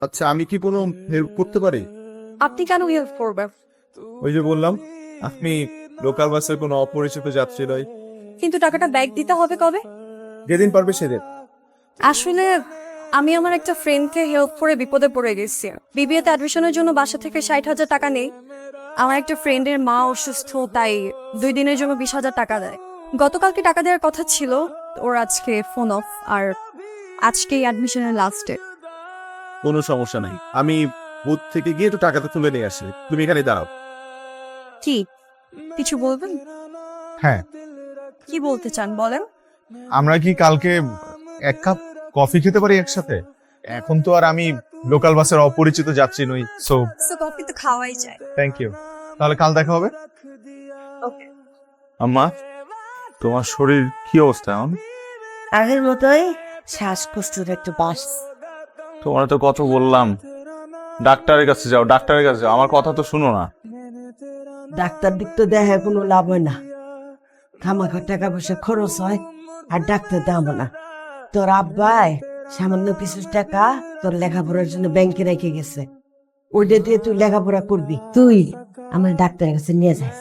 আচ্ছা, আমি কি কোনো হেল্প করতে পারি? আপনি কেন হেল্প করবেন? ওই যে বললাম, আপনি লোকাল বাসের কোনো অপরিচিত যাত্রী নয়। কিন্তু টাকাটা ব্যাক দিতে হবে কবে? যেদিন পারবে সেদিন। আসলে আমি আমার একটা ফ্রেন্ডকে হেল্প করে বিপদে পড়ে গেছি। বিবিএতে অ্যাডমিশনের জন্য বাসা থেকে 60,000 টাকা নেই। আমার একটা ফ্রেন্ডের মা অসুস্থ, তাই 2 দিনের জন্য 20,000 টাকা দেয়। গতকালকে টাকা দেওয়ার কথা ছিল, ওর আজকে ফোন অফ, আর আজকেই অ্যাডমিশনের লাস্ট ডে। কোনো সমস্যা নাই, আমি বুথ থেকে গিয়ে একটু টাকাটা তুলে নিয়ে আসি। তুমি এখানে দাঁড়াও। কি কিছু বলবেন? হ্যাঁ, কি বলতে চান বলেন। আমরা কি কালকে এক কাপ কফি খেতে পারি একসাথে? এখন তো আর আমি লোকাল বাসের অপরিচিত যাত্রী নই, সো কফি তো খাওয়াই যায়। Thank you. তাহলে কাল দেখা হবে। ওকে। আম্মা, তোমার শরীর কি অবস্থা এখন? আগের মতোই শ্বাসকষ্টের একটু বাস। তোমার তো কত বললাম ডাক্তারের কাছে যাও, ডাক্তারের কাছে যাও, আমার কথা তো শুনো না। ডাক্তার দিক তো দেখে কোনো লাভ হয় না, খামাখা টাকা পয়সা খরচ হয়, আর ডাক্তার দাম না। তোর আব্বাই সামান্য কিছু টাকা তোর লেখাপড়ার জন্য ব্যাংকে রেখে গেছে, ওইটা দিয়ে তুই লেখাপড়া করবি। তুই আমার ডাক্তারের কাছে নিয়ে যাস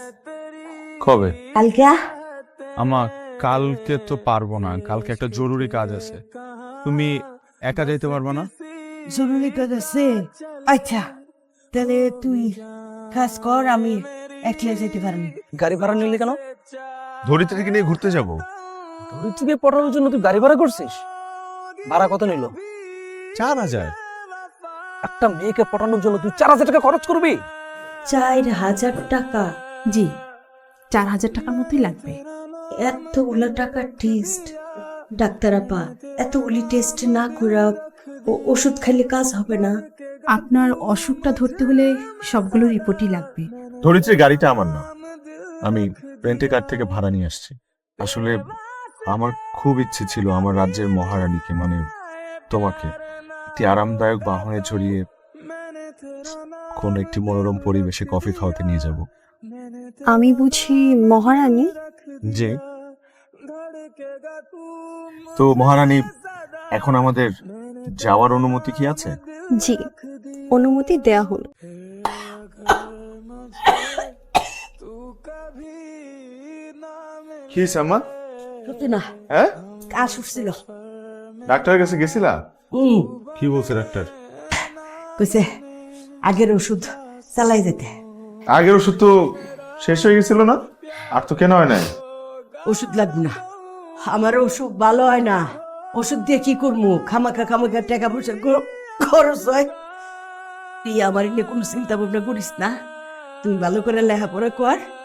কবে? কালকে। আমা, কালকে তো পারবো না, কালকে একটা জরুরি কাজ আছে। তুমি একা যাইতে পারবে না? জরুরি কাজ আছে? আচ্ছা, তাহলে তুই কাজ কর, আমি একলা যেতে পারি। গাড়ি ভাড়া নিলি কেন? ধরিত্রীকে নিয়ে ঘুরতে যাব। ধরিত্রীকে পটানোর জন্য তুই গাড়ি ভাড়া করছিস? ভাড়া কত নিল? 4,000। একটা মেয়েকে পটানোর জন্য তুই 4,000 টাকা খরচ করবি? 4,000 টাকা? জি, 4,000 টাকার মতোই লাগবে। এতগুলো টাকা টেস্ট? ডাক্তার আপা, এতগুলি টেস্ট না করে ওষুধ খাইলে কাজ হবে না? আপনার অসুখটা ধরতে হলে সবগুলো রিপোর্টই লাগবে। ধরিত্রীর গাড়িটা আমার না, আমি রেন্টে কার থেকে ভাড়া নিয়ে আসছি। আসলে আমার খুব ইচ্ছে ছিল আমার রাজ্যের মহারানীকে, মানে তোমাকে, একটি আরামদায়ক বাহনে চড়িয়ে কোন একটি মনোরম পরিবেশে কফি খাওয়াতে নিয়ে যাব। আমি বুঝি মহারানী? জি। তো মহারানী, এখন আমাদের যাওয়ার অনুমতি কি আছে? জি, অনুমতি দেয়া হলো। কি হয়েছে আম্মা? সত্যি না, হ্যাঁ, কাজ উঠছিল। ডাক্তারের কাছে গেছিলা? কি বলছে ডাক্তার? কইছে আগের ওষুধ চালাই যেতে। আগের ওষুধ তো শেষ হয়ে গেছিল না? আর তো কেন হয় নাই? ওষুধ লাগবে না, আমার অসুখ ভালো হয় না। ওষুধ দিয়ে কি করবো? খামাখা খামাখা টাকা পয়সা খরচ হয়। তুই আমার নিয়ে কোনো চিন্তা ভাবনা করিস না, তুই ভালো করে লেখাপড়া কর,